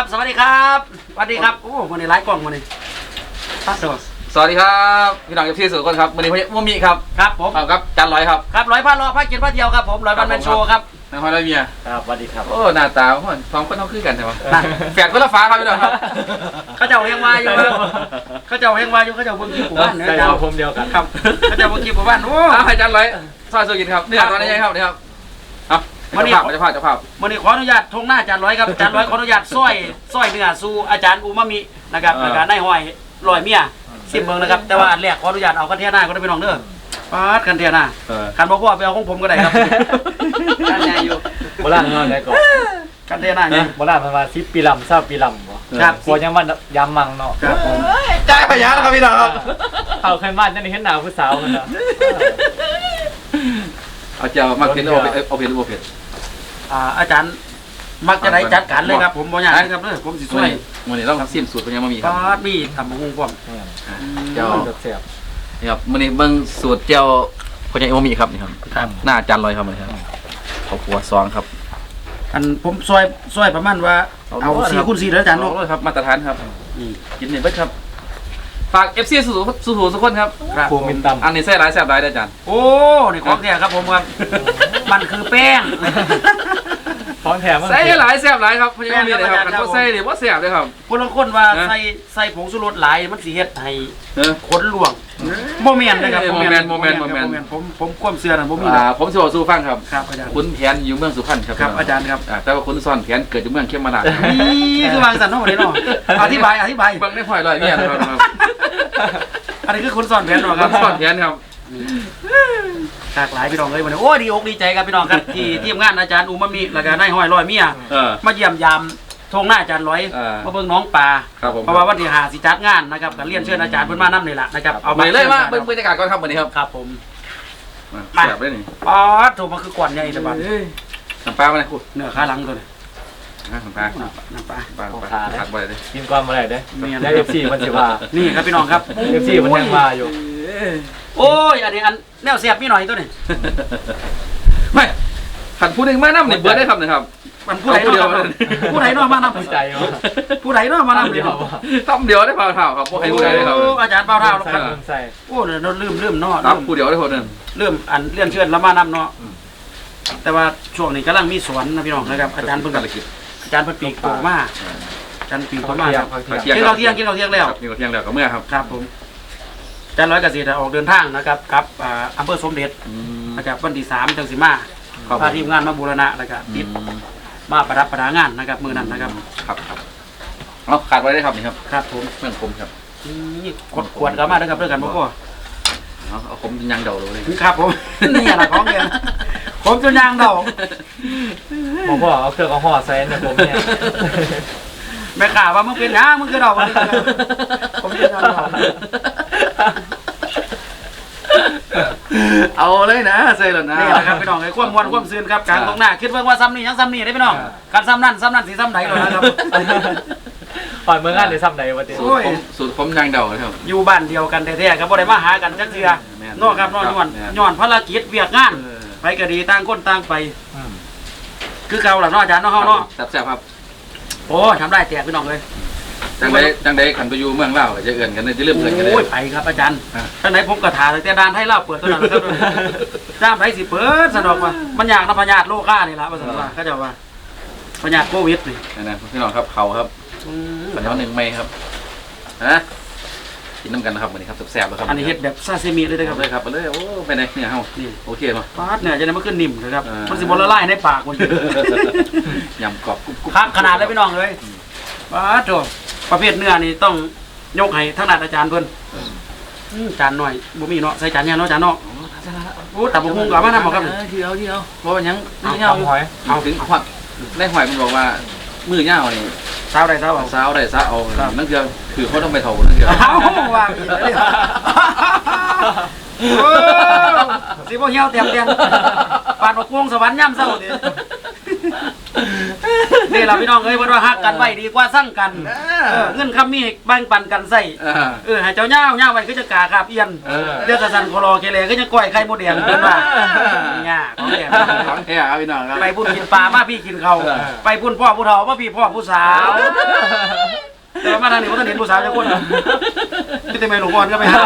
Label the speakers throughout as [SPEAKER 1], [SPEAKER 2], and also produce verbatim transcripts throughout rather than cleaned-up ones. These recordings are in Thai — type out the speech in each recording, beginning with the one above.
[SPEAKER 1] ครับสวัสดีครับสวัสดีครับโอ้วันนี้ไลฟ์กล้องวันนี้ครับ
[SPEAKER 2] สวัสดีครับพี่น้องเอฟซีสุดคนครับวันนี้พี่มุมีครับ
[SPEAKER 1] ครับผม
[SPEAKER 2] ครับจันร้อยครับ
[SPEAKER 1] ครับร้อยพันรอพักกินพักเดียวครับผมร้อยพันแมนโชว์ครับ
[SPEAKER 2] นายฮอยร้อยเมีย
[SPEAKER 3] ครับสวัสดีครับ
[SPEAKER 2] โอ้หน้าตาสองคนต้องคือกันใช่ไหมแฝดคนละฟ้าครับพี่น้องครับ
[SPEAKER 1] เขาเจ้าเฮงวาอยู่เขาเจ้าเฮงวาอยู่เขาเจ้าเบิ่งคลิปหมู่บ้านเนี่ย
[SPEAKER 3] เราผมเดียวกัน
[SPEAKER 1] ครับเขาเจ้าเบิ่งคลิปหมู่บ้านโอ้
[SPEAKER 2] ให้จันร้อยซอยสุกินครับเนื้อตอนนี้ยังครับนี่ครับเอาวันนี้จะพาจะพา
[SPEAKER 1] วันนี้ขออนุญาตทงหน้าจานร้อยครับจานร้อยขออนุญาตซอยซอยเนื้อสู่อาจารย์อูมามินะครับในการได้หอยลอยเมียสิบเมืองนะครับแต่ว่าอันแรกขออนุญาตเอากันเทียหน้าก็ได้ไปน้องเด้อปาดกันเทียหน้ากันบอกว่าไปเอาของผมก็ได้ครับกันใหญ่อยู่
[SPEAKER 3] โบราณเงินได้ก่อน
[SPEAKER 1] กันเทียหน้าเนี่ย
[SPEAKER 3] โบราณประมาณสิบปีลำเศร้าปีลำบ่
[SPEAKER 1] ครับ
[SPEAKER 3] กลัวยังว่ายำมังเนาะ
[SPEAKER 1] ครับผม
[SPEAKER 2] จ่ายพยานครับพี่น้องครับ
[SPEAKER 3] เขาเคยบ้านนั่นเห็นหนาวผู้สาวมันเนาะ
[SPEAKER 2] เอาเจ้ามาเผ็ดเอาเผ็ดเอาเผ็ดเอาเผ็ด
[SPEAKER 1] อ่าอาจารย์มักจะได้จัดการเลยครับผมบ่อยากนะครับเด้อผมสิช่วย
[SPEAKER 2] วันนี้เราทำซิมสูตรเป็นยังไม่มีครับ
[SPEAKER 1] มีทำบุ้งป้อม
[SPEAKER 2] เจ้าเสียบนี่ครับวันนี้เบิ้งสูตรเจ้าคนยังไม่มีครับนี่ครับหน้าจานลอยครับนี่ครับข้าวคั่วซองครับ
[SPEAKER 1] อันผมซอยซอยประมาณว่าเอาสี่คูณสี่แล้วอาจารย์เนาะ
[SPEAKER 2] ครับมาตรฐานครับกินเนี่ยเบิ้งครับฝากเอฟซีสู่สู่สู่ทุกคนครับ
[SPEAKER 3] ภูมิตำ
[SPEAKER 2] อันนี้ใส่ร้ายแซ่บร้ายได้อาจารย์
[SPEAKER 1] โอ้นี่ของแท้ครับผมครับมันคือแป้ง
[SPEAKER 3] ของแถม
[SPEAKER 2] ใส่หลายแซ่บหลายครับพยายามมีเลยครับกันก็ใส่เลยว่าแซ่บเลยครับ
[SPEAKER 1] คนละคนว่าใส่ใส่ผงชูรสหลายมันสีเฮ็ดให้ขนหลวงโมเมนต์นะครับ
[SPEAKER 2] โมเมนต์โมเมนต์โมเมนต์
[SPEAKER 1] ผมผมความเชื่อนะผมมี
[SPEAKER 2] ผมจะบอกสู้ฟังครับ
[SPEAKER 1] ครับอาจารย์
[SPEAKER 2] คุณแผนอยู่เมืองสุพรรณครับ
[SPEAKER 1] ครับอาจารย์ครับ
[SPEAKER 2] แต่ว่าคุณซ่อนแผนเกิดอยู่เมืองเข้มมาลา
[SPEAKER 1] นี่คือวางสันนอกเลยเนาะอธิบายอธิบาย
[SPEAKER 2] บางได้พลอยลอยเนี่ยครับ
[SPEAKER 1] อันนี้คือคุณซ่อนแผนเนาะครับ
[SPEAKER 2] ซ่อนแผนครับ
[SPEAKER 1] หลากหลายพี่น้องเลยวันนี้โอ้ดีอกดีใจครับพี่น้องครับที่ทีมงานอาจารย์อูมามิแล้วก็นายห้อยร้อยเมียมาเยี่ยมยามทงหน้าอาจารย์ร้อยมาเบิ่งน้องปลาเพราะว่าวันที่หาสิจัดงานนะครับการเรียนเชิญอาจารย์เพิ่นมานํนี่แหละนะครับ
[SPEAKER 2] เอาไปเลยมาเบิ่งบรรยากาศก่อนครับวันนี้ครับ
[SPEAKER 1] ครับผม
[SPEAKER 2] มาแบบนี้
[SPEAKER 1] อ๋อถูกมันคือกวนใหญ่แต่บัด
[SPEAKER 2] น้ำปลามาเลยคุณ
[SPEAKER 1] เนื้อขาหลังตัวนี้
[SPEAKER 2] น้ำปลา
[SPEAKER 1] น้ำปลา
[SPEAKER 2] ปลาปลาผัดไปเลย
[SPEAKER 3] กินความอะไรได้ได้เอฟซีมันสิว่า
[SPEAKER 1] นี่ครับพี่น้องครับ
[SPEAKER 3] เอฟซีมันยังมาอยู่
[SPEAKER 1] โอ้ยอันนี้อันแนวเสียบมีหน่อยตัวนี้
[SPEAKER 2] ไม่ขันพูดเองมาน้ำเนี่ยเบิร์ดได้ครับนะครับ
[SPEAKER 1] มันผู้ใดเนาะผู้ใดเนาะมาน้ำ
[SPEAKER 3] ใจ
[SPEAKER 1] ผู้ใดเนาะมาน้ำ
[SPEAKER 2] เดียวต้มเดียวได้เปล่าเท่าครับพวกใครผู้ใดได้ครับ
[SPEAKER 1] อาจารย์เปล่าเท่าครับโอ้เนี่ยลืมลืมเนาะ
[SPEAKER 2] รับผู้เดียวได้คนนึง
[SPEAKER 1] ลืมอันเลื่อนเชิญแล้วมาน้ำเนาะแต่ว่าช่วงนี้กำลังมีสวนนะพี่น้องนะครับอาจารย์เพิ่งอาจารย์เพิ่งปีกโตมาอาจารย์ปีกโตมาครับกินเราเที่ยงกินเราเที่ยงแล้ว
[SPEAKER 2] กินเราเที่ยงแล้วก็เมื่อครับ
[SPEAKER 1] ครับผมอาจารย์ร้อยเกษตรออกเดินทางนะครับกับอำเภอสมเด็จมาจากวันที่สามจังสิมาพาทีมงานมาบูรณะนะครับติดมาประดับประดางานนะครับมือนั้นนะครับ
[SPEAKER 2] ครับครับเอาขาดไว้ได้ครับนี่ครับ
[SPEAKER 1] ครับผม
[SPEAKER 2] เมื่อผมครับ
[SPEAKER 1] นี่ขวดขวดกันมาด้วยครับด้วยกันพ่อ
[SPEAKER 2] เอาผมยังเดาเลย
[SPEAKER 1] ครับผมนี่อะไรของเนี่ยผมจนยางเดา
[SPEAKER 3] ผมพ่อเอาเครื่องเอาห่อใส่เนี่ยผมเนี่ย
[SPEAKER 1] แม่ข่าว่ามึงเป็นนะมึงคือเดาผมจะทำเดา
[SPEAKER 2] เอาเลยนะเซ่เลยนะ
[SPEAKER 1] นี่แหละครับพี่น้องไอ้ความมวนความซื่นครับการตรงหน้าคิดว่าซ้ำนี่ยังซ้ำนี่ได้พี่น้องการซ้ำนั่นซ้ำนั่นสีซ้ำไหนเลยนะครับ
[SPEAKER 3] ปล่อยเมืองงานในซ้ำไหนวะเต้
[SPEAKER 2] สูตรผมยังเดาครับ
[SPEAKER 1] อยู่บ้านเดียวกันแท้ๆครับบ่ได้มาหากันจักเทื่อนอกครับนอกย้อนย้อนภารกิจเวียกงานไปก็ดีต่างคนต่างไปคือเก่าหลังนอกอาจารย์นอกห้องนอก
[SPEAKER 2] แซ่บครับ
[SPEAKER 1] โอ้ทำได้แจกพี่น้องเลย
[SPEAKER 2] จังไดจังไดขันไปอยู่เมืองเล่าจะเอื่นกันจะเริ่มเอื่นกันเลย
[SPEAKER 1] โอ้ยไปครับอาจารย์จังไดผมกระถาแต่ด้านให้เล่าเปิดตัวนั้นครับจ้ามไรสิเปิดสนอกว่ามันอยากนะพญาติโลก้านี่ละว่าสนอกว่าเขาจะว่าพญาติโควิดนี่
[SPEAKER 2] นะพี่น้องครับเขาครับปัญญาหนึ่งไม่ครับฮะกินน้ำกันนะครับวันนี้ครับแซ่บเลยครับ
[SPEAKER 1] อันนี้เห็ดแบบซาซิมิเลยนะครับ
[SPEAKER 2] เลยครับไปเลยโอ้ไปไหนเนี่ยเฮานี่โอเคมั้ย
[SPEAKER 1] ปาดเนี่ยจะได้มาขึ้นนิ่มเลยครับมันสิบละลายในปากคน
[SPEAKER 2] ยำกรอบกุ๊บ
[SPEAKER 1] ครับขนาดเลยพี่น้องเลยปาดโถประเภทเนื้อนี่ต้องยกให้ทั้งนัดอาจารย์เพิ่นจานหน่อยบ่มีเนาะใส่จานเนี่ยเนาะจานเนาะโอ้แต่บ่ฮู้ก็มาทำบ่ครับ
[SPEAKER 2] ทีเดียวทีเดียวบ่ว่าหยังนี่เฮาเอาถึงฮอดได้หอยมันบอกว่ามือเงานี่
[SPEAKER 1] สาวได้สาวเอา
[SPEAKER 2] สาวได้สาวเอานั่นคือคือเขาต้องไปเถานั่นคือ
[SPEAKER 1] เอาว่าโอ้สิบ่เหี่ยวเต็มเต็มปานบ่กวงสวรรค์ย่ำเศร้าดินี่เราพี่น้องเอ้ยเพิ่นว่าฮักกันไว้ดีกว่าสั่งกันเออเงินคำมีแบ่งปันกันใส่เออให้เจ้าย่าวย่าวไว้คือจะกาคาบเอียนเดี๋ยวกระสันโคโลเคเลก็จะก้อยไข่มดแดงเพิ่นว่าเนี่ยของแดง
[SPEAKER 2] ของแท้ครับพี่น้องครับ
[SPEAKER 1] ไปพุ่นกินปลามาพี่กินเขาไปพุ่นพ่อผู้เฒ่ามาพี่พ่อผู้สาวแต่ว่ามาทางนี้บ่ทันเห็นผู้สาวจักคนพี่แต่แม่ลูกอ่อนก็ไปหา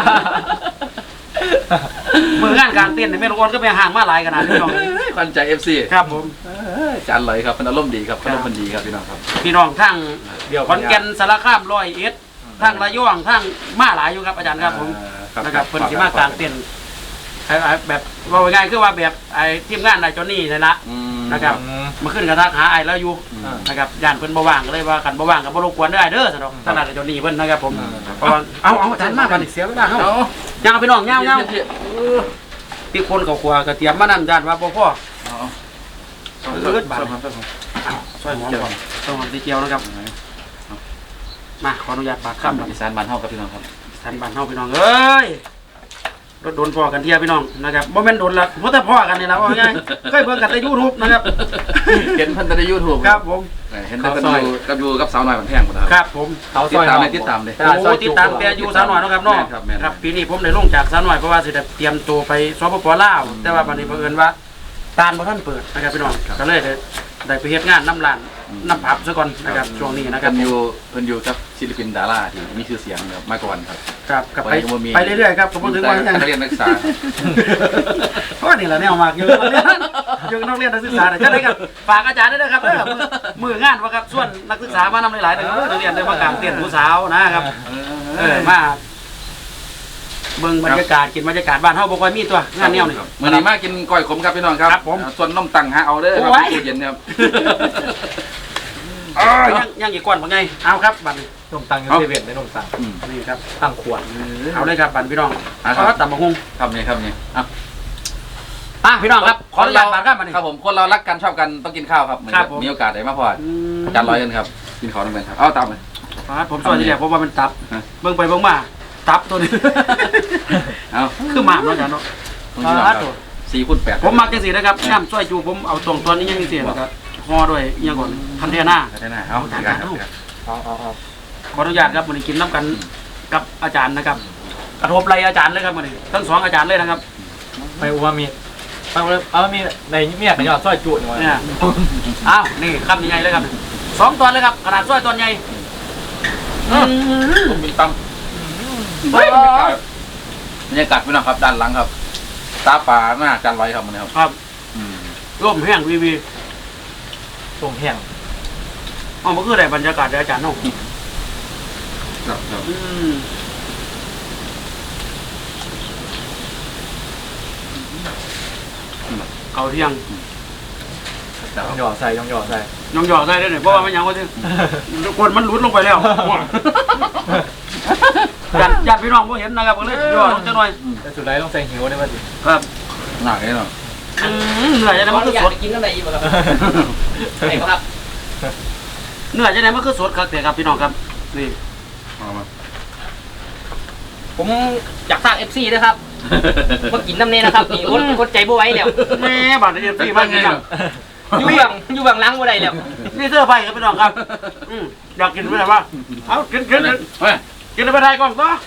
[SPEAKER 1] มืองานการเต้นเนี่ยแม่ลูกอ่อนก็ไปห่างมาหลายขนาดนี้พี่น้อง
[SPEAKER 2] ขวัญใจ เอฟ ซี
[SPEAKER 1] ครับผม
[SPEAKER 2] จานลอยครับเป็นอารมณ์ดีครับอารมณ์มันดีครับพี่น้องครับ
[SPEAKER 1] พี่น้องทั้ง
[SPEAKER 3] เดี๋ยว
[SPEAKER 1] ขอนแก่นสารคามร้อยเอ็ดทั้งระยองทั้งมาหลายอยู่ครับอาจารย์ครับผมนะครับเพิ่นสิมากลางเต้นไอ้ไอ้แบบว่าง่ายๆคือว่าแบบไอ้ทีมงานนายจอนนี่นี่ละนะครับมาขึ้นกระทักหาไอ้แล้วอยู่นะครับย่านเพิ่นบ่ว่างก็เลยว่ากันบ่ว่างก็บ่รบกวนได้เด้อสำหรับท่านนายจอนนี่เพิ่นนะครับผมเพราะว่าเอาเอาอาจารย์มาบัดนี้เสียเวลาเฮาย่างพี่น้องย่างย่างพี่คนเขาครัวก็เตรียมมานั่นอาจารย์ว่าบ่พอเลือดบาดช่วยหอมก่อนต้องหอมสีเจียวนะครับมาขออนุญาตปากคำ
[SPEAKER 2] อีสานบ้านเฮาครับพี่น้องครับ
[SPEAKER 1] สันบันเฮาพี่น้องเอ้ยรถโดนพ่อกันเทียพี่น้องนะครับบ่แม่นโดนละเพราะแต่พ่อกันนี่ล่ะว่าง่ายเคยเบิ่งกันใน YouTube นะครับ
[SPEAKER 2] เห็นเพิ่นใน YouTube
[SPEAKER 1] ครับผม
[SPEAKER 2] เห็นเพิ่นอยู่กับอยู่กับสาวน้อยมันแพงหมดครับ
[SPEAKER 1] ครับผม
[SPEAKER 3] เขา
[SPEAKER 2] ติ
[SPEAKER 3] ซ
[SPEAKER 2] ด
[SPEAKER 3] อย
[SPEAKER 2] ตาม
[SPEAKER 3] ห
[SPEAKER 2] เล
[SPEAKER 3] อย
[SPEAKER 2] ติดตามเลย
[SPEAKER 1] โอ้ติดตามแต่อยู่สาวน้อยเนาะครับเนาะ
[SPEAKER 2] ครับแม่น
[SPEAKER 1] ครับปีนี้ผมได้ลงจากสาวน้อยเพราะว่าสิได้เตรียมตัวไปสปปลาวแต่ว่าบัดนี้เผอิญว่าตานบ่ทันเปิดนะครับพี่น้องก็เลยได้ได้ไปเฮ็ดงานน้ำร้านน้ำผับซะก่อนนะครับช่วงนี้นะค
[SPEAKER 2] เพิ่
[SPEAKER 1] รับ
[SPEAKER 2] นอยู่เพิ่นอยู่กับศิลปินดาราที่มีชื่อเสียงครับมาก่อนครับ
[SPEAKER 1] ครับกับไป
[SPEAKER 2] ไปบ่มี
[SPEAKER 1] ไปเรื่อยๆครับผมถึงว่าอย่าง
[SPEAKER 2] นักเรียนนักศึกษา
[SPEAKER 1] เพราะนี่แหละแนวมากอยู่นักเรียนอยู่นักเรียนนักศึกษาเนี่ยจะได้ครับฝากอาจารย์ด้วยนะครับเด้อมือมืองานว่าครับส่วนนักศึกษามานำหลายๆเด้อนักเรียนได้มากลางเตียนผู้สาวนะครับเออมาเบิ่งบรรยากาศกินบรรยากาศบ้านเฮาบ่ค่อยมีตัวงานแนวนี่
[SPEAKER 2] มื้อนี้มากินก้อยขมครับพี่น้องครับ
[SPEAKER 1] ครับผม
[SPEAKER 2] ส่วนนมตังหาเอาเด้อครับ
[SPEAKER 1] โอ้ย
[SPEAKER 2] ตู้เย็นครับ
[SPEAKER 1] อ๋อยังยังอีกก้อนบ่ไงเอาครับบัดนี้
[SPEAKER 3] นมตังอยู่เซเว่นได้นมตัง
[SPEAKER 2] อืม
[SPEAKER 1] นี่ครับ
[SPEAKER 3] ตั้งขวด
[SPEAKER 1] เอาเลยครับบัดพี่น้อง
[SPEAKER 2] อ่ะ
[SPEAKER 1] เอาตำบักหุ่ง
[SPEAKER 2] ครับนี่ครับนี่อ่ะ
[SPEAKER 1] อ่ะพี่น้องครับขออนุญาตบัดครับบัดนี้
[SPEAKER 2] ครับผมคนเรารักกันชอบกันต้องกินข้าวครับเหมือน
[SPEAKER 1] ครั
[SPEAKER 2] กั
[SPEAKER 1] บบ ผม
[SPEAKER 2] มีโอกาสได้มาพอ
[SPEAKER 1] อืม
[SPEAKER 2] อาจารย์ร้อยกันครับกินข้าวน้ำกันครับเอาตามเลย
[SPEAKER 1] ครับผมสวัสดีแหละเพราะว่ามันตับ
[SPEAKER 2] ฮะ
[SPEAKER 1] เบิ่งไปเบิ่งมาตับตัวนี้
[SPEAKER 2] เอา
[SPEAKER 1] คือหมามเนาะอาจารย์เนาะ
[SPEAKER 2] คุณพี่น้องครับสี่คูณแปด
[SPEAKER 1] ผมมักจังซี่นะครับน้ำซอยจูผมเอาตรงตัวนี้ยังจังซี่นะครับห่อด้วยอิหยังก่อนพันเทน่า
[SPEAKER 2] ได้นะเอาดีกันครับ
[SPEAKER 3] เอาเอาเอา
[SPEAKER 1] ขออนุญาตครับวันนี้กินน้ำกันกับอาจารย์นะครับกระทบไหลอาจารย์เลยครับวันนี้ทั้งสองอาจารย์เลยนะครับ
[SPEAKER 3] ไม่อูมามีเอาเอามีในเมียกันยอดซอยจุหน่อย
[SPEAKER 1] เนี่ยอ้าวนี่คำใหญ่เลยครับสองตัวเลยครับขนาดซอยตัวใหญ่อืม
[SPEAKER 2] ผมมีตำบรรยากาศพี่น้องครับด้านหลังครับตาป่าหน้าอาจารย์ร้อยครับมันครับ
[SPEAKER 1] ครับ
[SPEAKER 2] อืม
[SPEAKER 1] ร่มแห้งวีวี
[SPEAKER 3] ตรงแห้ง
[SPEAKER 1] อ๋อมันคืออะไรบรรยากาศเดี๋ยวอาจารย์เนาะ
[SPEAKER 2] ครับครับ
[SPEAKER 1] อืมเอาเที่ยง
[SPEAKER 2] ครับ
[SPEAKER 3] ต้องหยอดใส่ต้องหยอดใส่
[SPEAKER 1] ยองหยอกได้ด้วยเนี่ยเพราะว่ามันยังว่าที่กดมันหลุดลงไปแล้วญาติญาติพี่น้องบ่เห็นนะครับก็เลยย่อลงจังหน่อย
[SPEAKER 3] แต่สุดท้ายต้องใส่หิวได้ป่ะสิ
[SPEAKER 1] ครับ
[SPEAKER 2] หนักเลยเนาะ
[SPEAKER 1] อืมเหนื่อยจะได้มันคือสด
[SPEAKER 4] กินอะไรอีกครับไหนครับ
[SPEAKER 1] เหนื่อยจะได้มันคือสดครับแต่ครับพี่น้องครับนี่
[SPEAKER 2] เอามา
[SPEAKER 4] ผมอยากสร้างเอฟซีนะครับมากินน้ำเนยนะครับนี่อดอดใจบ่ไหวแล้ว
[SPEAKER 1] แม่บาดเจ็บพี่บ้านนี่ครับ
[SPEAKER 4] อยู่เบื้องอยู่เบื้องหลังบ่ได้แล้ว
[SPEAKER 1] นี่เสื้อไฟครับพี่น้องครับอืมอยากกินไหมว่าเอากินกินกิน
[SPEAKER 2] เฮ้ย
[SPEAKER 1] กินไปได้ก่อนก็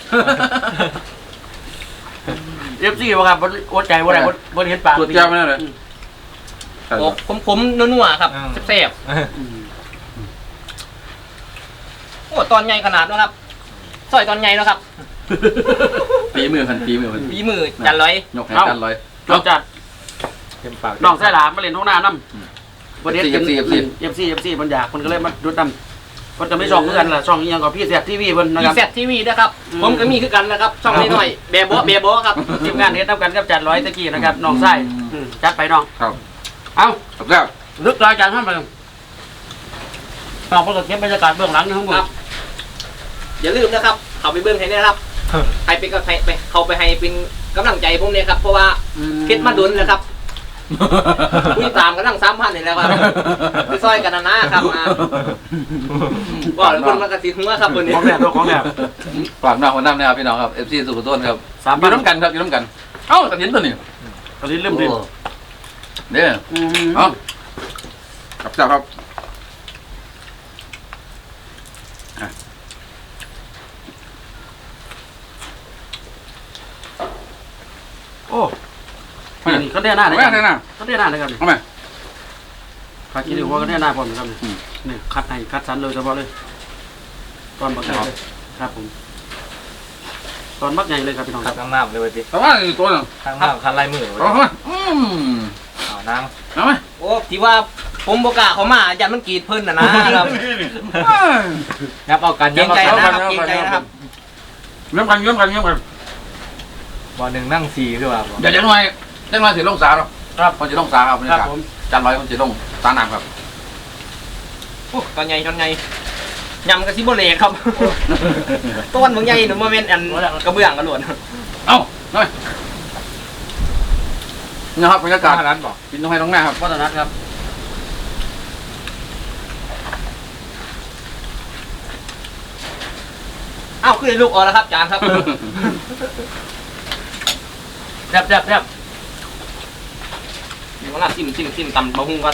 [SPEAKER 1] เอฟซีบ่ครับอดใจบ่ได้บ่เห็นปาก
[SPEAKER 2] ตรวจแก้วไม่ได้เลย
[SPEAKER 4] โอ้ผมผมนัวๆครับแซ่บๆโอ้ตอนใหญ่ขนาดนะครับซอยตอนใหญ่แล้วครับ
[SPEAKER 2] ปีมือพันปีมือพัน
[SPEAKER 4] ฝีมือจันร้อย
[SPEAKER 2] ยกให้กันร้อย
[SPEAKER 1] เราจัด
[SPEAKER 3] เต็มปาก
[SPEAKER 1] น้องไส้หลามมาเล่นท้องนาน้ำวันนี้
[SPEAKER 2] เอฟซีเอฟซี
[SPEAKER 1] เอฟซีเอฟซีมันอยากมันก็เลยมาดูดน้ำมันจะไม่ช่องเพื่อนล่ะช่องอีหยังกับพี่แซ่บทีวีเพิ่นนะ
[SPEAKER 4] มี
[SPEAKER 1] ครับ
[SPEAKER 4] แซดทีวีนะครับผมก็มีคือกันนะครับช่องนี้หน่อยเบโบเบโบครับ
[SPEAKER 1] ทีมงานเฮ็ดน้ำกันกับจัดร้อยตะกี้นะครับน้องไส้อืมจัดไปน้อง
[SPEAKER 2] ครับ
[SPEAKER 1] เอา
[SPEAKER 2] ครับแล้ว
[SPEAKER 1] ลึกรายการท่านไปน้องเพิ่นก็เก็บบรรยากาศเบื้องหลังนี่ทั้งหมด
[SPEAKER 4] อย่าลืมนะครับเขาไปเบื้องให้ได้นะครับใครไปก็ใครไปเขาไปให้เป็นกำลังใจผมเนี่ยครับเพราะว่าเพชรมาดุนนะครับคุยตามกันตั้งสามพันนี่แหล้วครับไปซอยกันนะนะครับมาบอกเลยคนมากระติหัวครับคนนี้
[SPEAKER 1] ของแหลมของแหลม
[SPEAKER 2] ฝากหน้าคนน้ำนะครับพี่น้องครับเอฟซีสุขุมต้นครับ
[SPEAKER 1] สาม
[SPEAKER 2] อ
[SPEAKER 1] พั
[SPEAKER 2] ยู่
[SPEAKER 1] น
[SPEAKER 2] น้ำกันครับอยู่น้ำกันเอ้าตัดเห็นตัวนี้
[SPEAKER 1] ตอนนี้เริ่มดิ
[SPEAKER 2] เนี่ย
[SPEAKER 1] อืม
[SPEAKER 2] เอ้าครับเจ้าครับ
[SPEAKER 1] โอ้นี่เขาเรียกหน้าเลย
[SPEAKER 2] ไม่ได้นะ
[SPEAKER 1] เขาเรียกหน้าเลยครับ
[SPEAKER 2] เอาไหม
[SPEAKER 1] ขาคิดดูว่าเขาเรียกหน้าผมนะครับนี่คัดให้คัดสันเลยเฉพาะเลยตอนบักใหญ่เลยครับผมตอนบักใหญ่เลยครับพี่น้องค
[SPEAKER 3] ขั
[SPEAKER 1] รั
[SPEAKER 3] บบ ข้างหน้าเลยพี่
[SPEAKER 2] แต่ว่าตัวนึง
[SPEAKER 3] ข้างหน้าคันลายมือ
[SPEAKER 2] เอาไหมอืม
[SPEAKER 3] เอานาง
[SPEAKER 2] เอาไหม
[SPEAKER 4] โอ้ที่ว่าผมโบกล้าเขามายันมันกรีดเพิ่นนะนะครับ
[SPEAKER 3] ยับเอากัน
[SPEAKER 4] เกรงใจ
[SPEAKER 3] เอา
[SPEAKER 4] นะค
[SPEAKER 3] กั
[SPEAKER 4] รับเกรงใจนะครับ
[SPEAKER 2] เยี่ยมกันเยี่ยมกันเยี่ยมกัน
[SPEAKER 3] บ่หนึ่งนั่งสี่คือว่าบ่
[SPEAKER 2] เดี๋ยวจะหน่อยจะหน่อยสิลงสาหรอครับคนจะลงสาครับบรร
[SPEAKER 1] ครั
[SPEAKER 2] ยา
[SPEAKER 1] บ
[SPEAKER 2] กาศ
[SPEAKER 1] ผม
[SPEAKER 2] จานร้อยคนจะลงสาหนักครับ
[SPEAKER 4] โอ้ตอนใหญ่ตอนใหญ่ยำกระซิบโบเลครับต้นบางใหญ่หนูมาเป็นอันกระเบื้องกระหลวน
[SPEAKER 2] เอ้าหน่อยนะครับบรรยากาศ
[SPEAKER 3] ร้านบอก
[SPEAKER 2] กินตรงไหนตรงหน้าครับ
[SPEAKER 1] วัฒนัทครับ
[SPEAKER 4] อ้าวขึ้นในลูกออกแล้วครับจานครับ
[SPEAKER 1] แซ่บแซ่บแซ่บ
[SPEAKER 4] เดี๋ยวว่าซิมซิมซิมตำบะฮุ่งก็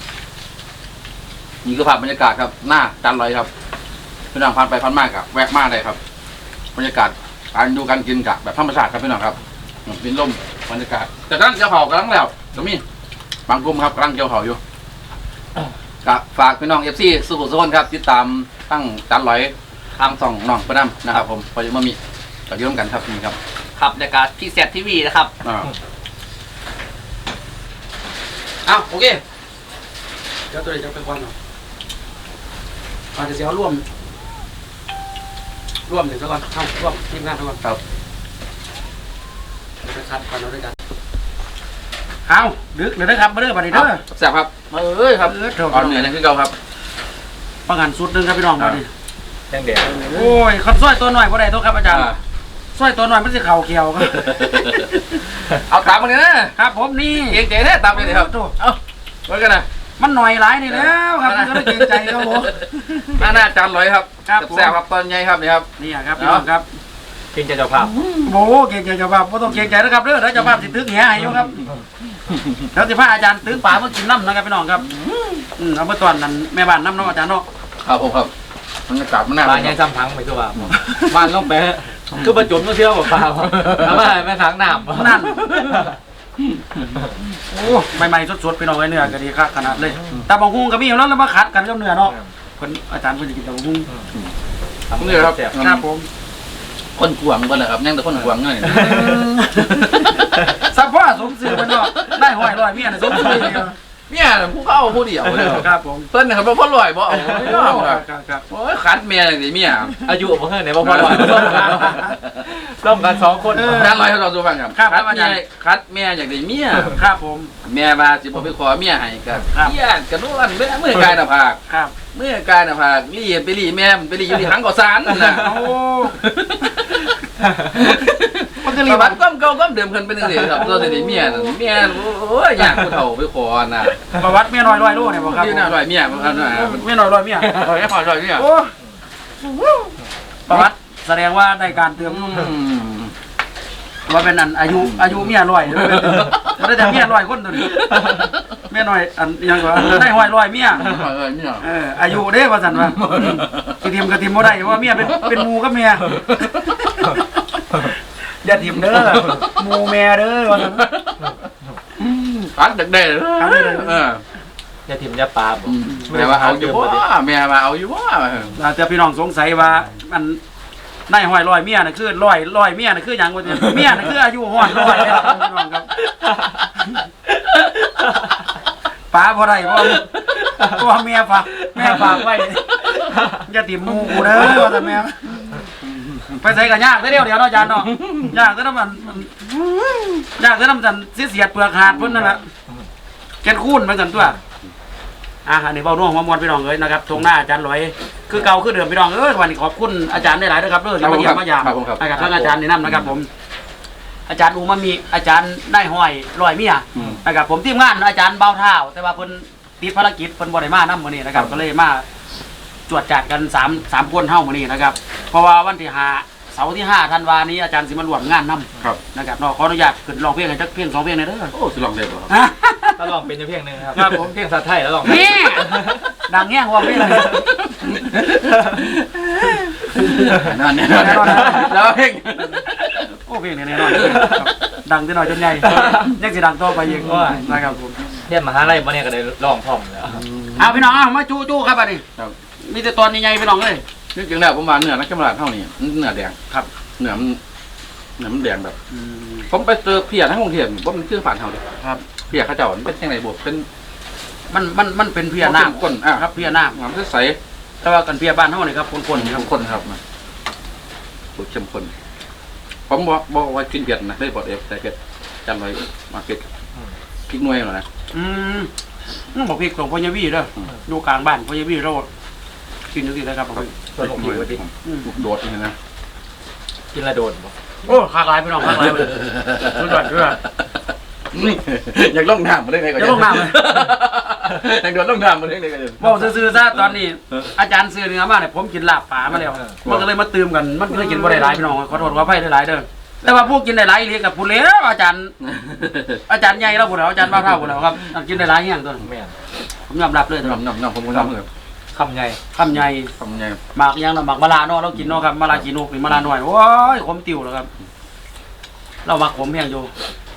[SPEAKER 2] นี่คือภาพบรรยากาศครับหน้าจานร้อยครับพี่น้องผ่านไปผ่านมากครับแวะมาได้ครับบรรยากาศการดูการกินกับแบบธรรมชาติครับพี่น้องครับเป็นลมบรรยากาศแต่กำลังเกี่ยวเผากำลังแล้วจะมีบางกลุ่มครับกำลังเกี่ยวเผาอยู่กับฝากพี่น้องเอฟซีสุขุมสุขนครับติดตามตั้งจานร้อยทางส่องน้องประน้ำนะครับผมพอจะมามีก็อยืมกันครับนี่ครับ
[SPEAKER 4] ครับรายการพี่แซดทีวีนะครับ
[SPEAKER 2] อ่าอ้าวโอเค
[SPEAKER 1] เดี๋ยวตัวเองจะไปควันเนาะอาจจะเสียวร่วม ร่วมหนึ่งซะก่อนเข้าร่วมทีมงานซะก่อน
[SPEAKER 2] ครับ
[SPEAKER 1] จะคัดกันเอาด้วยกันเอาดึกเลยนะครับมาเด้อบัดนี้เด้อ
[SPEAKER 2] แซ่บครับเอ้ยครับ
[SPEAKER 1] เออเถอะ
[SPEAKER 2] อ่อนเหนื่อยนะคือเก่าครับ
[SPEAKER 1] ปังหันสุดหนึงครับพี่น้องบัดนี้
[SPEAKER 3] แดงแดง
[SPEAKER 1] โอ้ยคันซอยตัวหน่อยบ่ได้ตัวครับอาจารย์ซอยตัวหน่อยมันสิเข่าเกี่ยวครับ
[SPEAKER 2] เอาตามมาเลยนะครับ
[SPEAKER 1] ผมนี่
[SPEAKER 2] เก่งใจแท้ตามไปเลยครับเอาไว้กันนะ
[SPEAKER 1] มันหน่อยหลายนี่แล้วครับมันก็เลยเกรงใจครับผม
[SPEAKER 2] หน้าหน้าจานร้อยครับ
[SPEAKER 1] ครับผม
[SPEAKER 2] แซ่บๆครับตอนใหญ่ครับนี่ครับ
[SPEAKER 1] นี่อะครับพี่น้องครับ
[SPEAKER 3] กินจะเจ้าภาพ
[SPEAKER 1] โอ้เก่งใจเจ้าภาพบ่ต้องเก่งใจนะครับเด้อแล้วเจ้าภาพสิตึกแหให้อยู่ครับแล้วสิพาอาจารย์ตึกป่ามากินน้ำนะครับพี่น้องครับอืมเอาเมื่อตอนนั้นแม่บ้านน้ำเนาะอาจารย์เนาะ
[SPEAKER 2] ครับผมครับบรรยากาศมันน่า
[SPEAKER 3] ปลาใหญ่ซ้ำพังไปคือว่าบ้านลงไปคือประจุมต้องเชื่อกับปลาเอามาแม่ทางน้ำ
[SPEAKER 1] นั่นโอ้ใหม่ๆสดๆพี่น้องไอ้เนื้อก็ดีครับขนาดเลยแต่บางฮุ้งก็มีอยู่แล้วแล้วมาขัดกันกับเนื้อเนาะเพิ่นอาจารย์เพิ่นสิกินแต่บางฮุ้ง
[SPEAKER 2] นี่ครับ
[SPEAKER 1] ครับผม
[SPEAKER 2] คนขวางกันเลยครับยังแต่คนขวางเงี้ย
[SPEAKER 1] สัพพะสมซื่อเพิ่นเนาะได้ห้อยร้อยเมียน่ะสมซื่อเลยเนาะ
[SPEAKER 2] เนี่ยผู้เข้าผู้เดียวเลย
[SPEAKER 1] ครับผม
[SPEAKER 2] เพิ่นนะครับพ่อลอยบ่เอาไม่เอาครับ
[SPEAKER 1] ครับครับ
[SPEAKER 2] โอ้ยขัดเมียเลยเมีย
[SPEAKER 3] อายุผมเท่าไหร่บ่พอหน่อยร่วมกันสองคน
[SPEAKER 2] จานร้อยเราดูฟังครับ
[SPEAKER 1] ครับ
[SPEAKER 2] คัด
[SPEAKER 1] อา
[SPEAKER 2] เมี
[SPEAKER 1] จาย รย์
[SPEAKER 2] คัดเมียอยากได้เมีย
[SPEAKER 1] ครับผม
[SPEAKER 2] เมียมาสิบ่ไปขอเมียให้ก็
[SPEAKER 1] ครับ
[SPEAKER 2] เมียกระนวลเมื่อเมื่อกายหน้าผาก
[SPEAKER 1] ครับ
[SPEAKER 2] เมื่อกายหน้าผากนี่ไปรีแม่ไปรีอยู่ที่หังก่อสารนะ
[SPEAKER 1] โอ้
[SPEAKER 2] มันก็รีบัดก้มเก่าก้มเดิมเพิ่นเป็นจังซี่ครับตัวสิเมียน่ะเมียโอ้ยอยากผู้เฒ่าไปขอน่ะ
[SPEAKER 1] ประวัติเมียน้อยร้อยโลเนี่ยบ่ครับ
[SPEAKER 2] อยู่หน้าร้อยเมียมันน่ะ
[SPEAKER 1] เมียน้อยร้อยเมีย
[SPEAKER 2] ร้อยขอร้อยเมีย
[SPEAKER 1] โอ้ประวัติแสดงว่าได้การเติม
[SPEAKER 2] อืม
[SPEAKER 1] ว่าเป็นอันอายุอายุเมียร้อยเลยมันได้แต่เมียร้อยคนตัวนี้เมียน้อยอันยังก็ได้ห้อยร้อยเมีย
[SPEAKER 2] ร้อยเมีย
[SPEAKER 1] เอออายุเด้ว่าซั่นว่าสิทีมกับทีมบ่ได้ว่าเมียเป็นเป็นหมู่กับเมียอย่าทีมเด้อหมู่แม่เด้อว่าซั่น
[SPEAKER 2] คัดเด็กได้เลยเออ
[SPEAKER 3] อย่าถิ่มอย่าปลาบ่
[SPEAKER 2] แม่ว่าเอาอยู่บ่แม่ว่าเอาอยู่บ่
[SPEAKER 1] อาจจะพี่น้องสงสัยว่ามันได้ห้อยร้อยเมียน่ะคือร้อยร้อยเมียน่ะคือหยังว่าเนี่ยเมียน่ะคืออายุห้อยร้อยเลยครับพี่น้องครับป้าบ่ได้บ่ตัวเมียฝากแม่ฝากไว้อย่าติ่มหมู่กูเด้อว่าแต่แม่ไปใส่กันยากเดียวเดียวเนาะอาจารย์เนาะยากแต่น้ำมันยากแต่น้ำจันเสียดเปลือกหาดเพิ่นนั่นแหละแกนคูนเหมือนกันตัวอ่ะอันนี้เบาหน่วงมามวนพี่น้องเลยนะครับทงหน้าอาจารย์ลอยคือเก่าคือเดิมพี่น้องเอ้ยวันนี้ขอบคุณอาจารย์ได้หลายด้วยครับเรื่องที่มาเยี่ยมมายามนะครับทั้งอาจารย์นี่นำนะครับผมอาจารย์อูมามีอาจารย์ได้ห้อยลอยเมียนะครับผมทีมงานอาจารย์เบาเท้าแต่ว่าเพิ่นติดภารกิจเพิ่นบ่ได้มานำมื้อนี้นะครับก็เลยมาจวดจัดกันสาม สามคนเฮามื้อนี้นะครับเพราะว่าวันที่ห้าเสาร์ที่ห้าธันวานี้อาจารย์สิมาร่วมงานนำ
[SPEAKER 2] ครับ
[SPEAKER 1] นะครับเนาะขออนุญาตขึ้นร้องเพลงให้จักเพลงสองเพลงหน่อยเด้อ
[SPEAKER 2] โอ้สิลองเล่นบ่ครับ
[SPEAKER 1] ฮะ
[SPEAKER 3] ถ้าลองเป็นอยู่เพียงหนึงครับ
[SPEAKER 1] ครับผม
[SPEAKER 3] เพียงสัตว์ไทยแล้วลอง
[SPEAKER 1] นี่ดังแง่งว่าเพลงเลย
[SPEAKER 2] นั่นแน่นอนแล้วเอง
[SPEAKER 1] โอ้เพลงนี้แน่นอนครับดังจะหน่อยจนใหญ่ยังสิดังต่อไปอีกนะครับผม
[SPEAKER 3] เรียนมหาลัยมาเนี่ยก็ได้ลองพร้อมแล้ว
[SPEAKER 1] เอาพี่น้องเอามาจู้จู้ครับอันนี้
[SPEAKER 2] ครับ
[SPEAKER 1] มีแต่ตอนใหญ่ๆพี่น้องเลย
[SPEAKER 2] จริงๆแล้วผมว่าเนื้อนักกำลังเท่านี้เนื้อแดง
[SPEAKER 1] ครับ
[SPEAKER 2] เนื้อมันเนื้อมันแดงแบบ ผมไปเจอเพียทั้งกรุงเทพว่ามันชื่อผ่านเท่าเลย
[SPEAKER 1] ครับ
[SPEAKER 2] เพียเข้าเจ้ามันเป็นยังไงบวกเป็น
[SPEAKER 1] มันมันมันเป็นเพียน้ำ
[SPEAKER 2] ข้นอ่ะ
[SPEAKER 1] ครับเพียน้
[SPEAKER 2] น้ำใส
[SPEAKER 1] ำแต่ว่ากันเพียบ้านเท่านี่ครับคนๆครับ
[SPEAKER 2] เข้มข้นครับนะบวกเข้มข้นผมบอกบอกว่ากินเผ็ดนะได้บอกเอฟแต่เผ็ดจำไว้มาเผ็ดพริกหน่วยหน่อยนะ
[SPEAKER 1] อืมอืมบอกพี่ของพญาวีเด้ออยู่กลางบ้านพญาวีเรากินอยู่ที่ไหนครับบอกพี่
[SPEAKER 3] ส่วนผมอยู่ดิ
[SPEAKER 1] อืม
[SPEAKER 2] ลูกโดดนี่นะ
[SPEAKER 3] กินละโดนบ่
[SPEAKER 1] โอ้คากหลายพี่น้องคากหลายเลยสุดยอดสุดยอด
[SPEAKER 2] อยากล่องน้ำมาได้ไงก็
[SPEAKER 1] จะลงน้ำเลย
[SPEAKER 2] อยากโดดล่องน้ำมาได้ไงก็จะ
[SPEAKER 1] บอกซื่อๆซะตอนนี้ อาจารย์ซื้อเนื้อมาเนี่ยผมกินลาบป่ามาแล้วมันก็เลยมาตืมกันมันก็เลยกินบ่ได้หลายพี่น้องขอโทษขออภัยหลายๆเด้อแต่ว่าพวกกินได้หลายอีหลีกับผู้เลี้ยงอาจารย์ อาจารย์ใหญ่แล้วผู้แล้วอาจารย์บ้าเท่าผู้แล้วครับกินได้หลายอย่างตัว
[SPEAKER 3] แม่น
[SPEAKER 1] ผมยอมรับเลยครับ
[SPEAKER 2] น้ำน้ำน้ำผมก็ทำเลย
[SPEAKER 3] คำใหญ่
[SPEAKER 1] คำใหญ่
[SPEAKER 2] ทำไง
[SPEAKER 1] หมากยังเราหมากมะลาเนาะเรากินเนาะครับมะลากีนกนี่มะลาหน่อยโอ้ยขมติ๋วแล้วครับ เราหมักขมแห้งอยู่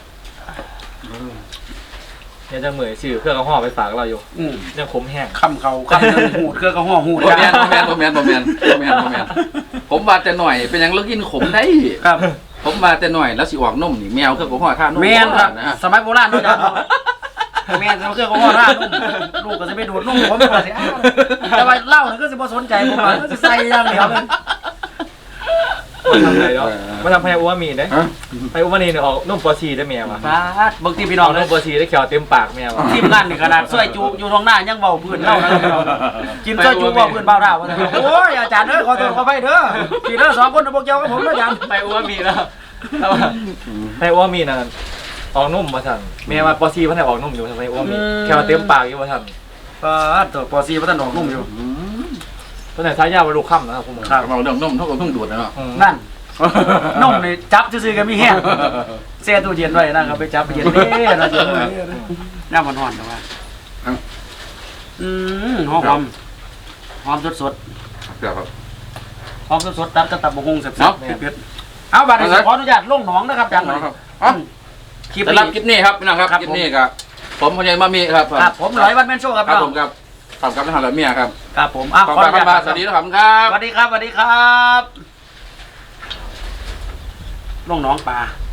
[SPEAKER 3] เนี่ยจะเหมยชื่อเครื่องกระห่อไปฝากเราอยู่
[SPEAKER 1] อืม
[SPEAKER 3] ยังขมแห้ง
[SPEAKER 1] คำเขาคำหนึงหูดเครื่องกระห้อหูด
[SPEAKER 2] โมแมนโมแมนโมแมนโมแมนโมแมนโมแมนผมว่าแต่หน่อยเป็นยังเลิกกินขมได้
[SPEAKER 1] ครับ
[SPEAKER 2] ผมว่าแต่หน่อยแล้วสิออกนมนี่แมวเครื่องของห่อท่านม
[SPEAKER 1] แมนครับ
[SPEAKER 2] นะฮะ
[SPEAKER 1] สมัยโบราณเนาะอาจารย์เนาะแมนเครื่องกระห้อราดนุ่มลูกก็จะไปดูดนุ่มผมก็สิอ้าวแต่ว่าเหล้านี่ก็สิบ่สนใจผมว่าสิใส่อย่างเดียวเลย
[SPEAKER 3] มันทำอะไรเนาะมันทำให้อ้วนมีได้
[SPEAKER 2] ฮะ
[SPEAKER 3] ไปอ้วนนี่เนี่ยออกนุ่มปอชีได้แมวอ่ะ
[SPEAKER 1] ฟาดบางทีพี่น้
[SPEAKER 3] อ
[SPEAKER 1] อ
[SPEAKER 3] อง ก
[SPEAKER 1] เล
[SPEAKER 3] นุ่
[SPEAKER 1] ย
[SPEAKER 3] มปอชีได้เขียวเต็มปากแมวอ่ะ
[SPEAKER 1] ทีมงานนี่ขนาดซอยจูอยู่ตรงหน้ายังเบาพื้นเล่านะครับพี่น้องกินซอยจูเบาพื้นเบาเท่าว่าซั่นโอ้ยอาจารย์เด้อขอโทษขออภัยเด้อพี่เด้อสองคนน่ะบ่เกี่ยวกับผมเด้ออาจารย์
[SPEAKER 3] ไปอ้วนมีแล้วแล้วไปอ้วนมีน่ะออกนุ่มมาสั่นแมวมาปอชีพันธุ์ออกนุ่มอยู่ทำไมอ้วนมีแค่เต็มปากอยู่มาสั่น
[SPEAKER 1] ฟาดตัวปอซีบ่ทันออกนุ่มอยู่
[SPEAKER 2] อืม
[SPEAKER 3] ตัวไหนท้ายยาวมาลูกค่ำนะครับคุณหมอ
[SPEAKER 1] ครับ
[SPEAKER 2] เราเรื่องนมเท่ากับเพิ่งดูดนะเนาะ
[SPEAKER 3] อืม
[SPEAKER 1] นั่นนมนี่จับซื่อๆก็มีแห้งแช่ตู้เย็นไว้นะครับไปจับไปเย็นเด้นะเย็นเด้น้ำมันร้อนแต่ว่าอืมหอมหอมหอมสด
[SPEAKER 2] เดี๋ยวครับ
[SPEAKER 1] ๆหอมสดๆตัดกับตับกหุ่งแซ่บ
[SPEAKER 2] เนาะ
[SPEAKER 1] ๆเผ็ดๆเอาบัดนี้ขออนุญาตลงหนองนะครับอาจารย์
[SPEAKER 2] ครับอ๋อ
[SPEAKER 1] คลิป
[SPEAKER 2] สำหรับคลิ
[SPEAKER 1] นี้
[SPEAKER 2] ปนี้ครับพี่น้องครับ
[SPEAKER 1] ครับ
[SPEAKER 2] คลิปนี้ครับผมพญายมามีครับ
[SPEAKER 1] ครับผมร้อยวันแมนโชว์ครับ
[SPEAKER 2] ครับ
[SPEAKER 1] พี่
[SPEAKER 2] ผ
[SPEAKER 1] น้อง
[SPEAKER 2] มครับขอบคุณครับท่านหลายเมียครับ
[SPEAKER 1] ครับผมอ่ะ
[SPEAKER 2] ขอบ
[SPEAKER 1] ขอ
[SPEAKER 2] คุ
[SPEAKER 1] อ
[SPEAKER 2] ณ
[SPEAKER 1] นุ
[SPEAKER 2] ค
[SPEAKER 1] ญา
[SPEAKER 2] รับ
[SPEAKER 1] ต
[SPEAKER 2] สวัสดีครับครับ
[SPEAKER 1] สวัสดีครับสวัสดีครับลงหนองปลา